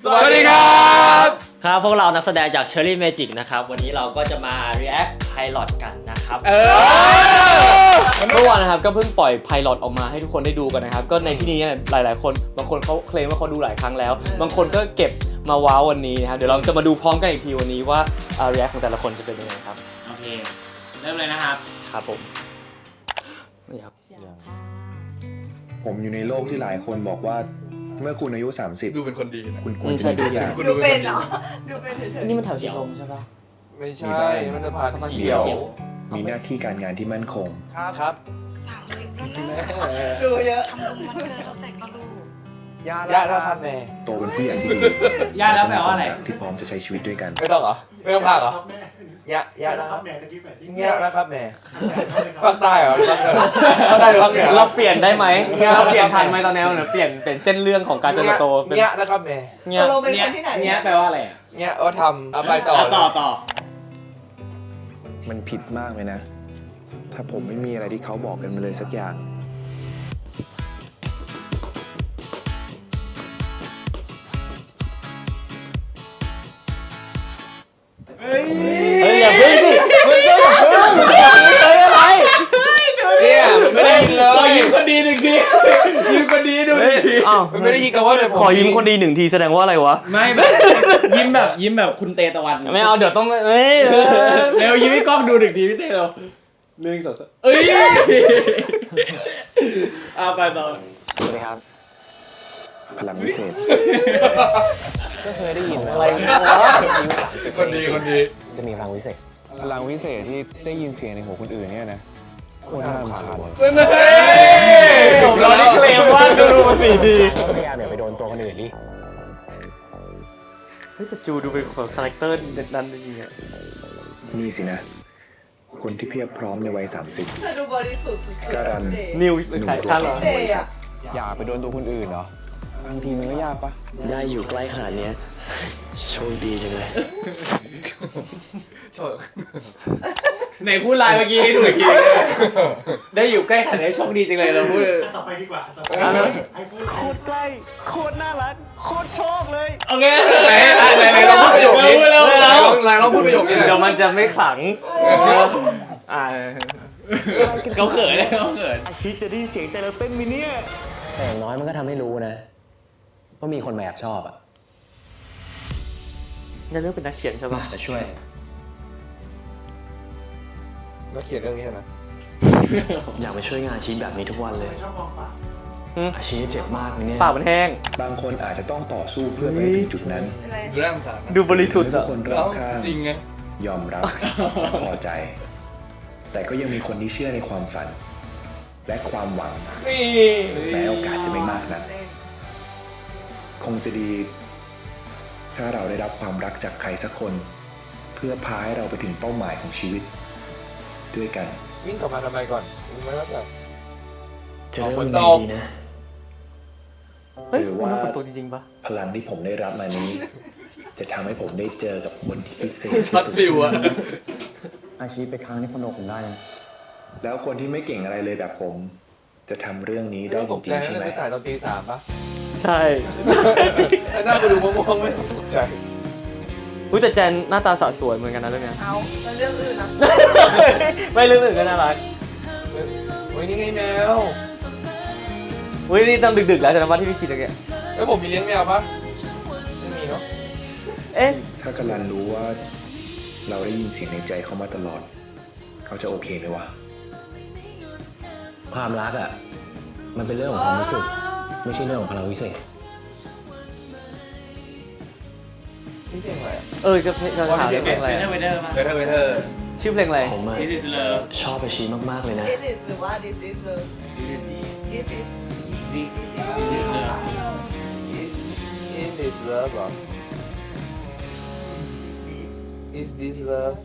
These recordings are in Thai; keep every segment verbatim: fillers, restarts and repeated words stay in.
สวัสดีครับครับพวกเรานักแสดงจาก Cherry Magic นะครับวันนี้เราก็จะมา react pilot กันนะครับเออเมื่อวานนะครับก็เพิ่งปล่อย pilot ออกมาให้ทุกคนได้ดูกันนะครับก็ในที่นี้หลายๆคนบางคนเขาเคลมว่าเขาดูหลายครั้งแล้วบางคนก็เก็บมาว้าววันนี้นะครับเดี๋ยวเราจะมาดูพร้อมกันอีกทีวันนี้ว่า react ของแต่ละคนจะเป็นยังไงครับโอเคเริ่มเลยนะครับครับผมนี่ครับผมอยู่ในโลกที่หลายคนบอกว่าเมื่อคุณอายุสามสิบดูเป็นคนดีนะคุณควรจะมีทุกอย่างดูเป็นเหรอดูเป็นเฉยๆนี่มันแถวเขียวลมใช่ปะไม่ใช่มันจะผ่านเขียวมีหน้าที่การงานที่มั่นคงครับสามสิบแล้วนะดูเยอะทำบุญวันเกิดเราแจกกระดูกยาแล้วครับแม่โตเป็นผู้ใหญ่ที่ดียาแล้วแปลว่าอะไรที่พร้อมจะใช้ชีวิตด้วยกันไม่ต้องเหรอไม่ต้องพากเหรอยายาแล้วครับแม่ตะกี้แม่ยาแล้วครับแม่ภาคใต้เหรอภาคใต้หรือภาคเหนือเราเปลี่ยนได้ไหมเราเปลี่ยนทันไหมตอนนี้เราเปลี่ยนเป็นเส้นเรื่องของการเติบโตเป็นยาแล้วครับแม่เนี่ยเราเป็นคนที่ไหนเนี่ยแปลว่าอะไรอ่ะเนี่ยว่าทำเอาไปต่อต่อต่อมันผิดมากเลยนะถ้าผมไม่มีอะไรที่เขาบอกกันมาเลยสักอย่างเฮ้ยอย่าเพิ่งสิเฮ้ยอย่าเพิ่งเฮ้ยอะไรเนี่ยไม่ได้ยินเลยขอยิ้มคนดีหนึ่งทียิ้มคนดีดูหนึ่งทีมันไม่ได้ยินกันว่าขอยิ้มคนดีหนึ่งทีแสดงว่าอะไรวะไม่แบบยิ้มแบบยิ้มแบบคุณเตตะวันไม่เอาเดี๋ยวต้องเฮ้ยเร็วยิ้มให้กล้องดูหนึ่งทีพี่เตเร็วหนึ่งสองสามเอ้ยเอาไปต่อสวัสดีครับพลังวิเศษก็เคยได้ยินอะไรนะคนดีคนดีจะมีพลังวิเศษพลังวิเศษที่ได้ยินเสียงในหูคนอื่นเนี่ยนะโคตรน่ารำคาญเราได้เคลมว่าดูมาสี่ทีพยายามอย่าไปโดนตัวคนอื่นดิเฮ้ยแต่จูดูเป็นคนคาแรคเตอร์เด็ดดันจริงๆอ่ะนี่สินะคนที่เพียบพร้อมในวัยสามสิบดูบริสุทธิ์การันนิวเป็นใครท่านเหรออย่าไปโดนตัวคนอื่นเหรอบางทีมันก็ยากปะได้อยู่ใกล้ขนาดนี้โชคดีจังเลยไหนพูดไลน์เมื่อกี้ให้ดูอีกทีได้อยู่ใกล้ขนาดนี้โชคดีจังเลยเราพูดต่อไปดีกว่าโคตรใกล้โคตรน่ารักโคตรโชคเลยโอเคไหนไหนไหนเราพูดประโยคนี้ไหนเราพูดประโยคนี้เดี๋ยวมันจะไม่ขลังอ่าเขาเขินเลยเขาเขินอาชีพจะได้เสียงใจเราเต้นมิเนี่ยแต่อย่างน้อยมันก็ทำให้รู้นะว่ามีคนมาแอบชอบอ่ะจะเลือกเป็นนักเขียนใช่ป่ะจะช่วยนักเขียนเรื่องนี้นะอยากไปช่วยงานอาชีพแบบนี้ทุกวันเลยอาชีพเจ็บมากเลยเนี่ยปากมันแห้งบางคนอาจจะต้องต่อสู้เพื่อไปถึงจุดนั้นดูน่าสงสารดูบริสุทธิ์ทุกคนรอบข้างจริงไงยอมรับพอใจแต่ก็ยังมีคนที่เชื่อในความฝันและความหวังแม้โอกาสจะไม่มากนักคงจะดีถ้าเราได้รับความรักจากใครสักคนเพื่อพาให้เราไปถึงเป้าหมายของชีวิตด้วยกันวิ่งกลับมาทำไมก่อนไม่รับแบบจะเริ่มดีนะหรือว่าตัวจริงๆปะพลังที่ผมได้รับมานี้จะทำให้ผมได้เจอกับคนที่พิเศษที่สุดอาชีพไปค้างที่คอนโดผมได้นะแล้วคนที่ไม่เก่งอะไรเลยแบบผมจะทำเรื่องนี้ได้จริงๆใช่ไหมถ่ายตอนตีสามปะใช่หน้ากูดูม่วงๆไม่ตกใจอุ้ยแต่แจนหน้าตาสะสวยเหมือนกันนะเรื่องนี้เอาแล้วเรื่องอื่นนะไม่เรื่องอื่นก็น่ารักโอ้ยนี่ไงแมวอุ้ยนี่ต้องดึกๆแล้วจากนั้นว่าที่พี่คิดอะไรกันเฮ้ยผมมีเลี้ยงแมวปะไม่มีเนาะเอ๊ะถ้ากำลังรู้ว่าเราได้ยินเสียงในใจเขามาตลอดเขาจะโอเคไหมวะความรักอ่ะมันเป็นเรื่องของความรู้สึกไม่ใช่เรื่องของพลังวิเศษนี่เพลงอะไรเออจะจะถามเพลงอะไรเวเทอร์เวเทอร์เวเทอร์ชื่อเพลงอะไรผมอะชอบอาชีพมากๆเลยนะ This is หรือว่า This is love This is This is This is love Is Is this love หรอ Is this love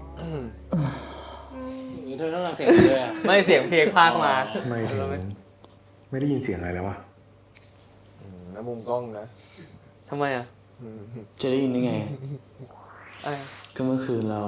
เธอต้องฟังเสียงเลยอ่ะไม่เสียงเพลงพากมาไม่ไม่ได้ยินเสียงอะไรแล้ววะน้ำมุมกล้องนะทำไมอ่ะจะได้ยินได้ไงก็เมื่อคืนเรา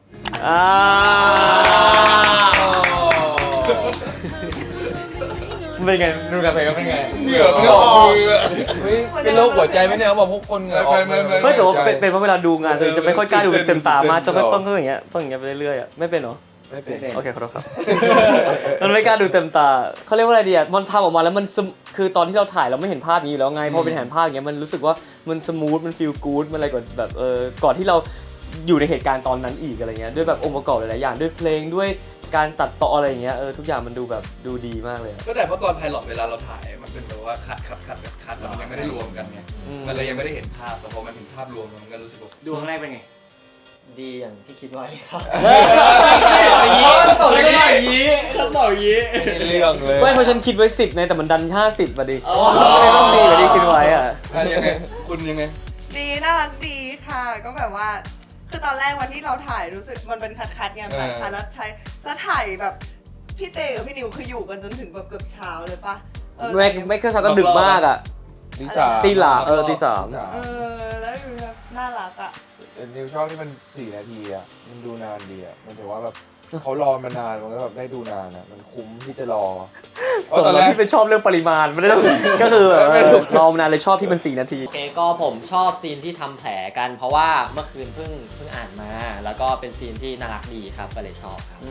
อ่าเป็นไงดูกันไปก็เป็นไงเหงื่อไม่ออกมือเฮ้ยเป็นโรคหัวใจไหมเนี่ยเขาบอกพวกคนเหงื่อออกไม่แต่ว่าเป็นเป็นเพราะเวลาดูงานตัวเองจะไม่ค่อยกล้าดูเต็มตามากจะไม่ต้องก็อย่างเงี้ยต้องอย่างเงี้ยไปเรื่อยๆอ่ะไม่เป็นเหรอไม่เป็นโอเคขอโทษครับ มันไม่กล้าดูเต็มตาเขาเรียกว่าอะไรดีอ่ะมันทำออกมาแล้วมันสมคือตอนที่เราถ่ายเราไม่เห็นภาพนี้อยู่แล้วไงพอเป็นเห็นภาพอย่างเงี้ยมันรู้สึกว่ามันสมูทมันฟีลกู๊ดมันอะไรก่อนแบบเออก่อนที่เราอยู่ในเหตุการณ์ตอนนั้นอีกอะไรเงี้ยด้วยแบบองค์ประกอบหลายๆอย่างด้วยเพลงด้วยการตัดต่ออะไรอย่างเงี้ยเออทุกอย่างมันดูแบบดูดีมากเลยอะก็แต่เพราะตอนไพลอตเวลาเราถ่ายมันเป็นแบบว่าคัดคัดคัดคัดแล้วมันยังไม่ได้รวมกันไงมันเลยยังไม่ได้เห็นภาพแต่พอมันเห็นภาพรวมมันก็รู้สึกว่าดูครั้งแรกเป็นไงดีอย่างที่คิดไว้ครับอย่างนี้ต้องตอบอย่างนี้ต้องตอบอย่างนี้เรื่องเลยไม่เพราะฉันคิดไว้สิบไงแต่มันดันห้าสิบมาดิเลยต้องดีกว่าที่คิดไว้อ่ะยังไงคุณยังไงดีน่ารักดีค่ะ ก็แบบว่า คือตอนแรกวันที่เราถ่ายรู้สึกมันเป็นคัดๆไงถ่ายคัดแล้วใช้แล้วถ่ายแบบพี่เตกับพี่นิวคืออยู่กันจนถึงแบบเกือบเช้าเลยปะเออไม่ไม่ก็เช้าก็ดึกมากอ่ะตีสามตีหลาเออตีสามเออแล้วดูแบบน่ารักอ่ะนิวชอบที่มันสี่นาทีอ่ะมันดูนานดีอ่ะมันถือว่าแบบเขารอมานานมันก็แบบได้ดูนานอ่ะมันคุ้มที่จะรอส่วนเราที่เป็นชอบเรื่องปริมาณไม่ได้ก็คือแบบรอมานานเลยชอบที่มันสี่นาทีโอเคก็ผมชอบซีนที่ทำแผลกันเพราะว่าเมื่อคืนเพิ่งเพิ่งอ่านมา แล้วก็เป็นซีนที่น่ารักดีครับก็เลยชอบครับ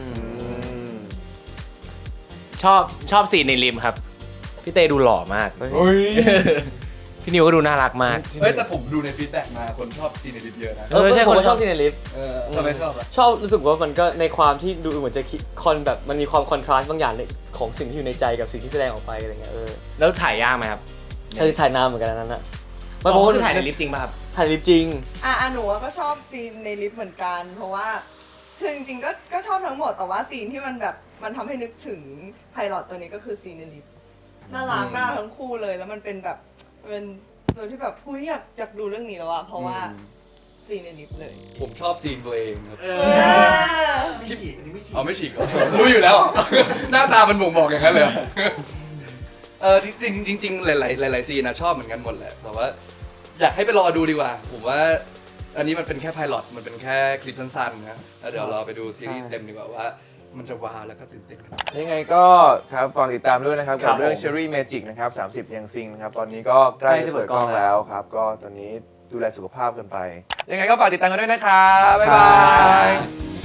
ชอบชอบซีนในริมครับพี่เต้ดูหล่อมากเฮ้ยพี่นิวก็ดูน่ารักมากเฮ้ยแต่ผมดูในฟีดแบ็กมาคนชอบซีนในลิฟเยอะนะเออใช่คนชอบซีนในลิฟต์เออทำไมชอบอ่ะชอบรู้สึกว่ามันก็ในความที่ดูเหมือนจะคิดคอนแบบมันมีความคอนทราสต์บางอย่างในของสิ่งที่อยู่ในใจกับสิ่งที่แสดงออกไปอะไรเงี้ยเออแล้วถ่ายยากไหมครับเออถ่ายนานเหมือนกันอันนั้นอะไม่เพราะว่าถ่ายในลิฟต์จริงป่ะครับถ่ายลิฟต์จริงอ่ะอ่ะหนูก็ชอบซีนในลิฟต์เหมือนกัน เพราะว่าคือจริงๆก็ก็ชอบทั้งหมดแต่ว่าซีนที่มันแบบมันทำให้นึกถึงไพลอตตัวนี้ก็คือซีนในลิฟต์น่ารักน่ารักทั้งคู่เลยแล้วมันเป็นแบบเป็นตัวที่แบบผู้ยอยากอยากดูเรื่องนี้แล้วอะเพราะว่าซีนในลิฟต์เลยผมชอบซีนตัวเองครับเออไม่ฉีกอันนี้ไม่ฉีกอ๋อไม่ฉีกเหรอรู้อยู่แล้ว หน้าตามันบ่งบอกอย่างนั้นเลย เออจริงๆจริงๆหลายๆหลายๆซีนนะชอบเหมือนกันหมดแหละแต่ว่าอยากให้ไปรอดูดีกว่า ผมว่าอันนี้มันเป็นแค่ไพลอตมันเป็นแค่คลิปสั้นๆนะแล้วเดี๋ยวรอไปดูซีรีส์เต็มดีกว่าว่ามันจะว้าวแล้วก็ตื่นเต้นกันยังไงก็ครับฝากติดตามด้วยนะครับกับเรื่อง Cherry Magic นะครับสามสิบยังซิงนะครับตอนนี้ก็ใกล้จะเปิดกล้องแล้วครับก็ตอนนี้ดูแลสุขภาพกันไป ยังไงก็ฝากติดตามกันด้วยนะครับบ๊ายบาย